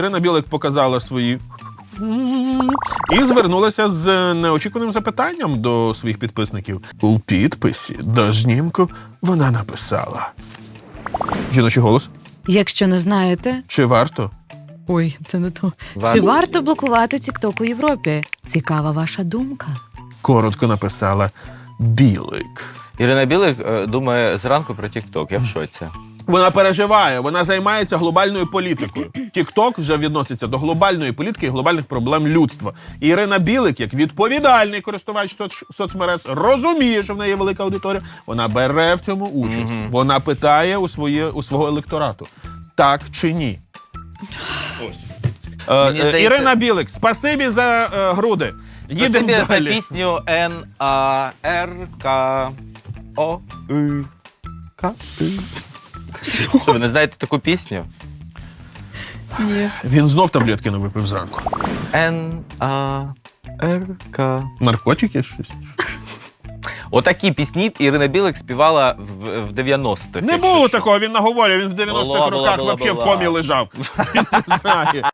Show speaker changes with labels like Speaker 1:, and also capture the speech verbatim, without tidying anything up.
Speaker 1: Ірина Білик показала свої і звернулася з неочікуваним запитанням до своїх підписників. У підписі до знімку вона написала: жіночий голос.
Speaker 2: Якщо не знаєте...
Speaker 1: Чи варто?
Speaker 2: Ой, це не то.
Speaker 3: Варто.
Speaker 2: Чи варто блокувати TikTok у Європі? Цікава ваша думка.
Speaker 1: Коротко написала Білик.
Speaker 3: Ірина Білик е, думає зранку про TikTok. Я в шоці.
Speaker 1: Вона переживає, вона займається глобальною політикою. Тік-Ток вже відноситься до глобальної політики і глобальних проблем людства. І Ірина Білик, як відповідальний користувач соц... соцмереж, розуміє, що в неї є велика аудиторія. Вона бере в цьому участь.
Speaker 3: Мгм.
Speaker 1: Вона питає у, своє, у свого електорату. Так чи ні? Ось. Е,
Speaker 3: Мені
Speaker 1: е,
Speaker 3: здається-
Speaker 1: Ірина Білик, спасибі за е, груди. Їдемо
Speaker 3: Спасибі за
Speaker 1: далі.
Speaker 3: пісню Н А Р К О И К И. Що, ви не знаєте таку пісню?
Speaker 2: Ні.
Speaker 1: Він знов таблетки не випив зранку.
Speaker 3: Н А Р К.
Speaker 1: Наркотики щось?
Speaker 3: Отакі пісні Ірина Білик співала в, в дев'яностих.
Speaker 1: Не
Speaker 3: якщо
Speaker 1: було
Speaker 3: що.
Speaker 1: такого, він наговорює, він в дев'яностих
Speaker 3: Була, була,
Speaker 1: роках
Speaker 3: була,
Speaker 1: взагалі в
Speaker 3: була.
Speaker 1: комі лежав. Він не знає.